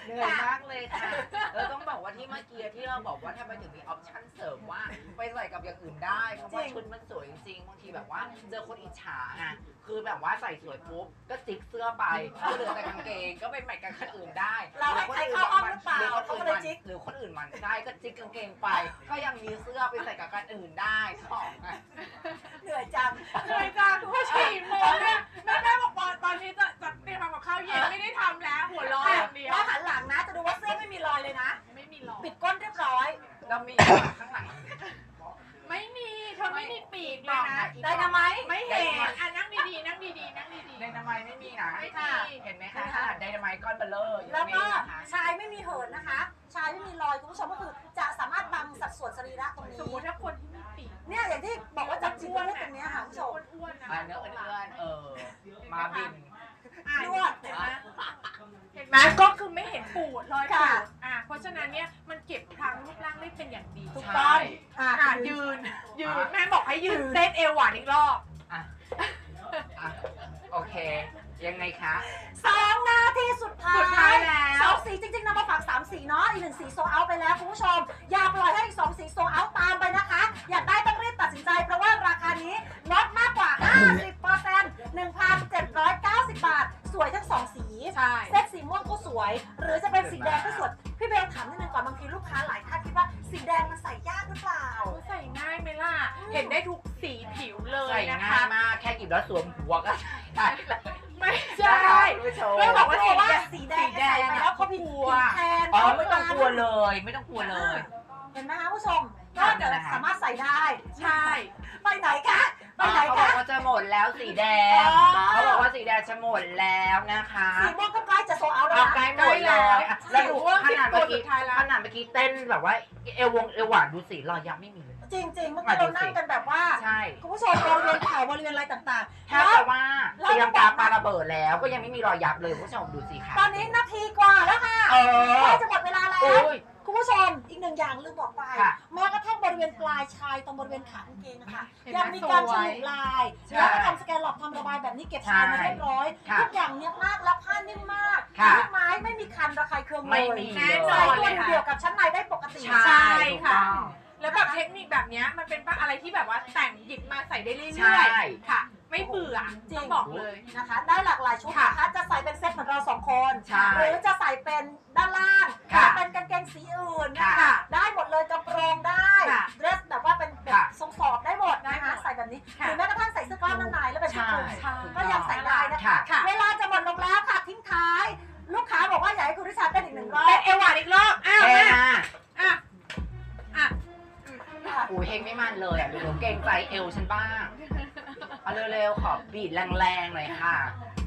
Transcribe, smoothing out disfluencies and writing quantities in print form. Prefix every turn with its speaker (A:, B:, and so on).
A: เหนื่อยมากเลยค่ะเราต้องบอกว่าที่เมื่อกี้ที่เราบอกว่าทำไมถึงมีออปชั่นเสริมว่าไปใส่กับอย่างอื่นได้เพราะว่าชุดมันสวยจริงๆบางทีแบบว่าเจอคนอิจฉาไงคือแบบว่าใส่สวยปุ๊บก็จิกเสื้อไปเหลือแต่กางเกงก็ไปใหม่กับคนอื่นได้
B: เราให้ใครเข้าอ้อมหรือเปล่า
A: เขาก็เลยจิกหรือคนอื่นมันได้ก็จิกกางเกงไป ก็ยังมีเสื้อไปใส่กับกันอื่นได้ของไง
B: เหนื่อยจัง
C: เลยจ้าผู้ฉีดโมงเนี่ยแม่บอกว่าตอนนี้จะเตรียมทำกับข้าวเย็นไม่ได้ทำแล้วหัวร้อนอย่างเดียว
B: แล้วหันหลังนะจะดูว่าเสื้อไม่มีรอยเลยนะ
C: ไม่มีหรอก
B: ปิดก้นเรียบร้อย
A: เรามีข้างหลัง
C: ไม่มีเธอไม่มีปีกเลยนะ
B: ได้นะไหม
C: ไม่เห็นอ่ะนั่งดีๆนั่งดีๆนั่งดี
A: ไดนาไมต์ไม่มีนะ
C: ไม่มี
A: เห็นไหมคะขนาดไดนาไมต์ก้อนเบลเลอร์ยัง
B: แล้ว
A: ไม่
B: ก็
A: มีนะคะ
B: ชายไม่มีเหินนะคะ ชายไม่มีรอยคุณผู้ชมก็คือจะสามารถบังสัดส่วนสรีระตรง
C: ๆ
B: นี้
C: สมมติถ้าคนที่มีปีก
B: เนี่ยอย่างที่บอกว่าจับจิ้มรูปตรงเนี้ยค่ะคุณผู้ชม
C: อ้วนๆนะ
A: เนื้อเอื้อนมาบิน
B: นวด
C: เห็นไหมเห็นไหมก็คือไม่เห็นปูดรอยปู
B: ค่ะ
C: ดเพราะฉะนั้นเนี่ยมันเก็บพลังรูปร่างได้เป็นอย่างดี
B: ถูกต้องอ่ะ
C: ยืนแม่บอกให้ยืนเต้นเอวหวานอีกรอบ
A: อ่ะโอเค ยังไงคะ
B: 2 นาทีสุดท้าย
C: สุดท้ายแล้ว
B: สองสีจริงๆนำมาฝาก3 สีเนาะอีก1 สีโซเอาไปแล้วคุณผู้ชม อย่าปล่อยให้อีก2 สีโซเอาตามไปนะคะ อยากได้ต้องรีบตัดสินใจเพราะว่าราคานี้ลดมากกว่า 50% 1,790 บาท สวยทั้ง 2 สี
C: ใช่
B: เซตสีม่วงก็สวย หรือจะเป็นสีแดงก็สวย พี่เบลถามนิดนึงก่อนบางทีลูกค้าหลายท่านคิดว่าสีแดงมันใส่ยากหรือเปล่า
C: ใส่ง่ายไหมล่ะ เห็นได้ทุกสีผิวเลย
A: ใส่
C: นะ
A: ง่า
C: คะ
A: ยมากแค่หยิบแล้วสวมหัวก็ใส่ได้เลย
C: ไม่ใช่
A: คุณผู้ชม
C: ไม่บอกว่า
B: เพราะว่าสีแดงใส่ไปแล้วเขาผิดแทน
A: อ๋อไม่ต้องกลัวเลย ไม่ต้องกลัวเลย
B: เห็นไหมคะผู้ชม ก็จะสามารถใส่ได้
C: ใช่
B: ไปไหนคะไปไหน
A: เขาบอ
B: คะ
A: กว่าจะหมดแล้วสีแดง
B: อ๋อ
A: เขาบอกว่าสีแดงจะหมดแล้วนะคะ
B: สีม่วงก็ใกล้จะโซเอาแล้ว
A: เอา
B: นะ
A: ใกล้หมดแล้วอ่ะแล้วดู
C: ว่า
A: ขนาดเมื่อกี้
C: สุดท้ายแล้ว
A: ขนาดเมื่อกี้เต้นแบบว่าเอวหวานดูสิรอยยับไม่มีเลย
B: จริงๆเมื่อกี้เรานั่งกันแบบว่า
A: ใช่
B: คุณผู้ชมบริเวณเข่าบริเวณอะไรต่างๆ
A: แทบจะว่าเตรียมกาปาระเบิดแล้วก็ยังไม่มีรอยยับเลยคุณผู้ชมดูสิค่ะ
B: ตอนนี้นาทีกว่าแล้วค่ะ
A: เออ
B: ใกล้จะหมดเวลาแล้ว
A: โอ้ย
B: คุณผู้ชมอีกหนึ่งอย่างลืมบอกไป
A: ค่ะ
B: แม้กระทั่งบริเวณปลายชายตรงบริเวณขากางเกงนะคะ
C: เห็นไหม
B: ยังมีการฉ
C: สวย
B: ลุลาย
A: ใช่
B: แล้วก็ทำสแกนหลอกทำระบายแบบนี้เก็บชายมาเรียบร้อย
A: ค่ะ
B: ทุกอย่างเนี้ยบมากแล้วผ้านิ่มมาก
A: ค่ะ
B: ลูกไม้ไม่มีคันระคายเคืองเลย
A: ไม่มี
C: แน่น
B: ใส่
C: อน
B: ตัว
C: เลยค่ะ
B: เดียวกับชั้นในได้ปกติ
A: ใช่
C: ถูกต้อง
A: ถูกต้อง
C: แล้วแบบเทคนิคแบบเนี้ยมันเป็นอะไรที่แบบว่าแต่งหยิบมาใส่ได้เรื่
A: ใช่
C: อยๆค่ะ ไม่เบื่อ
B: จริง
C: ต้องบอกเลย
B: นะคะ ได้หลากหลายชุด
C: ค่ะ
B: นะคะจะใส่เป็นเซ็ตเหมือนเรา2 คน
A: ใช่
B: หรือจะใส่เป็นด้านล่าง
A: ค่ะ
B: จะเป็นกางเกงสีอื่นนะ
A: ค่ะ
B: คะได้หมดเลยกระโปรงได้
C: ค่ะ
B: เดรสแบบว่าเป็นแบบ
A: ค่ะ
B: ทรงสอบได้หมดนะ
C: ได้หม
B: คะ
C: ด
B: ใส่แบบนี้ห
C: ค่ะ
B: รือแม้กระทั่งใส่เสื้อกล้ามด้านในแล้วเป็นชุดคลุม
A: ใช่
B: ก็ยังใส่ได้นะคะ
A: ค่ะ
B: เวลาจะหมดลงแล้วค่ะทิ้งท้าย ลูกค้าบอกว่าอยากให้คุณริชาเต้นอีก1 รอบ
C: เป็นเอวหวานอีกรอบอ้าว
A: เท่
C: แม่
A: มาก
C: อ่ะอ่ะ
A: อูเฮงไม่มันเลยอ่ะเดี๋ยวเกรงใจเอวฉันบ้าง เอาเร็วๆขอบีดแรงๆหน่อยค่ะ